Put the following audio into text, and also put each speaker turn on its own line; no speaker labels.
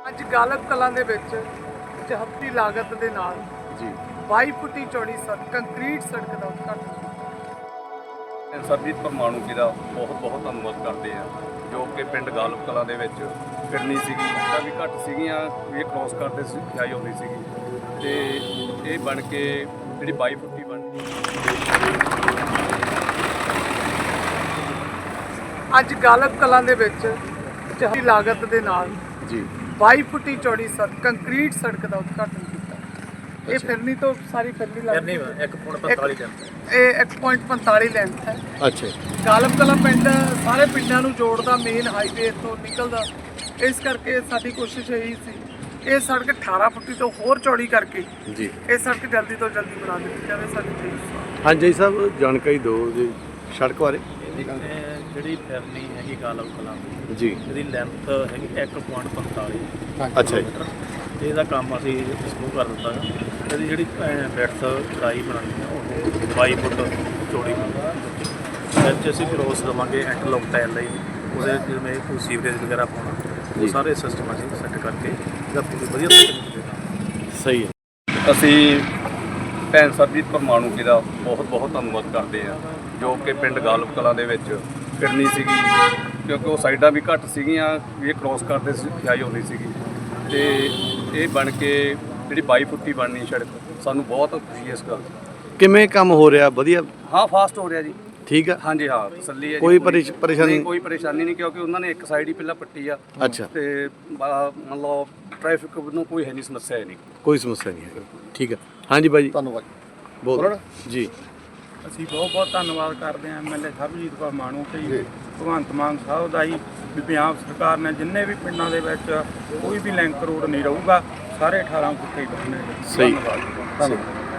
ਅੱਜ ਗਾਲਬ ਕਲਾਂ ਦੇ ਵਿੱਚ 74 ਲਾਗਤ ਦੇ ਨਾਲ
ਜੀ
22 ਫੁੱਟੀ ਚੌੜੀ ਸੜਕ ਕੰਕਰੀਟ ਸੜਕ ਦਾ ਉਦਘਾਟਨ
ਸਰਬਜੀਤ ਪਰਮਾਣੂ ਜੀ ਦਾ ਬਹੁਤ ਬਹੁਤ ਧੰਨਵਾਦ ਕਰਦੇ ਆ ਜੋ ਕਿ ਪਿੰਡ ਗਾਲਬ ਕਲਾਂ ਦੇ ਵਿੱਚ ਫਿਰਨੀ ਸੀਗੀ ਤਾਂ ਵੀ ਘੱਟ ਸੀਗੀਆਂ ਇਹ ਕ੍ਰੋਸ ਕਰਦੇ ਜਾਈ ਹੁੰਦੀ ਸੀਗੀ ਤੇ ਇਹ ਬਣ ਕੇ ਜਿਹੜੀ 22 ਫੁੱਟੀ ਬਣ ਗਈ।
ਅੱਜ ਗਾਲਬ ਕਲਾਂ ਦੇ ਵਿੱਚ 74 ਲਾਗਤ ਦੇ ਨਾਲ
ਜੀ
22 ਫੁੱਟੀ ਚੌੜੀ ਸੜਕ ਕੰਕਰੀਟ ਸੜਕ ਦਾ ਉਦਘਾਟਨ ਕੀਤਾ। ਇਹ ਫਿਰਨੀ ਤੋਂ ਸਾਰੀ ਫਿਰਨੀ ਲੱਗਦੀ ਹੈ 1.45 ਲੈਂਥ ਇਹ 1.45 ਲੈਂਥ ਹੈ।
ਅੱਛਾ
ਗਾਲਬ ਕਲਾਂ ਪਿੰਡ ਸਾਰੇ ਪਿੰਡਾਂ ਨੂੰ ਜੋੜਦਾ ਮੇਨ ਹਾਈਵੇ ਤੋਂ ਨਿਕਲਦਾ ਇਸ ਕਰਕੇ ਸਾਡੀ ਕੋਸ਼ਿਸ਼ ਇਹੀ ਸੀ ਇਹ ਸੜਕ 18 ਫੁੱਟੀ ਤੋਂ ਹੋਰ ਚੌੜੀ ਕਰਕੇ
ਜੀ
ਇਹ ਸੜਕ ਜਲਦੀ ਤੋਂ ਜਲਦੀ ਬਣਾ ਦਿੱਤੀ ਜਾਵੇ। ਸਾਡੀ
ਹਾਂਜੀ ਸਾਹਿਬ ਜਾਣਕਾਰੀ ਦਿਓ ਜੀ ਸੜਕ ਬਾਰੇ।
ਜਿਹੜੀ ਫਿਰਨੀ ਹੈਗੀ ਗਾਲਬ ਕਲਾਂ ਦੀ
ਜੀ
ਇਹਦੀ ਲੈਂਥ ਹੈਗੀ 1.45
ਅੱਛਾ ਜੀ
ਤੇ ਇਹਦਾ ਕੰਮ ਅਸੀਂ ਸ਼ੁਰੂ ਕਰ ਦਿੱਤਾ ਹੈ। ਇਹਦੀ ਜਿਹੜੀ ਬੈਠ ਚੜਾਈ ਬਣਾਉਣੀ ਹੈ ਉਹ 22 ਫੁੱਟ ਚੌੜੀ ਬਣਾਉਣੀ ਹੈ। ਅਸੀਂ ਕ੍ਰੋਸ ਦੇਵਾਂਗੇ ਇੰਟਰਲੋਕ ਟਾਇਲ ਲਈ ਉਹਦੇ ਜਿਵੇਂ ਕੋਈ ਸੀਵਰੇਜ ਵਗੈਰਾ ਪਾਉਣਾ ਉਹ ਸਾਰੇ ਸਿਸਟਮ ਅਸੀਂ ਸੈੱਟ ਕਰਕੇ ਇਹਦਾ ਪੂਰੀ ਵਧੀਆ
ਸਹੀ ਹੈ।
ਅਸੀਂ ਭੈਣ ਸਰਬਜੀਤ ਪਰਮਾਣੂ ਜੀ ਦਾ ਬਹੁਤ ਬਹੁਤ ਧੰਨਵਾਦ ਕਰਦੇ ਆ ਜੋ ਕਿ ਪਿੰਡ ਗਾਲਬ ਕਲਾਂ ਦੇ ਵਿੱਚ ਫਿਰਨੀ ਸੀਗੀ ਕਿਉਂਕਿ ਉਹ ਸਾਈਡਾਂ ਵੀ ਘੱਟ ਸੀਗੀਆਂ ਇਹ ਕ੍ਰੋਸ ਕਰਦੇ ਜਾਈ ਹੁੰਦੀ ਸੀਗੀ ਤੇ ਇਹ ਬਣ ਕੇ ਜਿਹੜੀ 22 ਫੁੱਟੀ ਬਣਨੀ ਸੜਕ ਸਾਨੂੰ ਬਹੁਤ ਖੁਸ਼ੀ ਹੈ ਇਸ ਗੱਲ ਦੀ।
ਕਿਵੇਂ ਕੰਮ ਹੋ ਰਿਹਾ? ਵਧੀਆ
ਹਾਂ ਫਾਸਟ ਹੋ ਰਿਹਾ ਜੀ।
ਠੀਕ ਆ
ਹਾਂਜੀ ਹਾਂ ਤਸੱਲੀ ਹੈ ਜੀ।
ਕੋਈ ਪਰੇਸ਼ਾਨੀ
ਨਹੀਂ, ਕੋਈ ਪਰੇਸ਼ਾਨੀ ਨਹੀਂ ਕਿਉਂਕਿ ਉਹਨਾਂ ਨੇ ਇੱਕ ਸਾਈਡ ਹੀ ਪਹਿਲਾਂ ਪੱਟੀ ਆ
ਅੱਛਾ
ਤੇ ਮੰਨ ਲਓ ਟ੍ਰੈਫਿਕ ਨੂੰ ਕੋਈ ਹੈ ਨਹੀਂ ਸਮੱਸਿਆ ਹੈ ਨਹੀਂ।
ਕੋਈ ਸਮੱਸਿਆ ਨਹੀਂ ਹੈ। ਠੀਕ ਹੈ ਹਾਂਜੀ ਬਾਈ ਜੀ
ਧੰਨਵਾਦ।
ਬੋਲੋ ਜੀ।
ਅਸੀਂ ਬਹੁਤ ਬਹੁਤ ਧੰਨਵਾਦ ਕਰਦੇ ਹਾਂ ਐਮਐਲਏ ਸਰਬਜੀਤ ਪਰਮਾਣੂ ਤੇ ਭਗਵੰਤ ਮਾਨ ਸਾਹਿਬ ਦਾ ਜੀ ਵੀ ਪੰਜਾਬ ਸਰਕਾਰ ਨੇ ਜਿੰਨੇ ਵੀ ਪਿੰਡਾਂ ਦੇ ਵਿੱਚ ਕੋਈ ਵੀ ਲਿੰਕ ਰੋਡ ਨਹੀਂ ਰਹੂਗਾ ਸਾਰੇ 18 ਫੁੱਟੇ ਹੀ ਬਣਨੇ।
ਸਹੀ।
ਧੰਨਵਾਦ।
ਧੰਨਵਾਦ।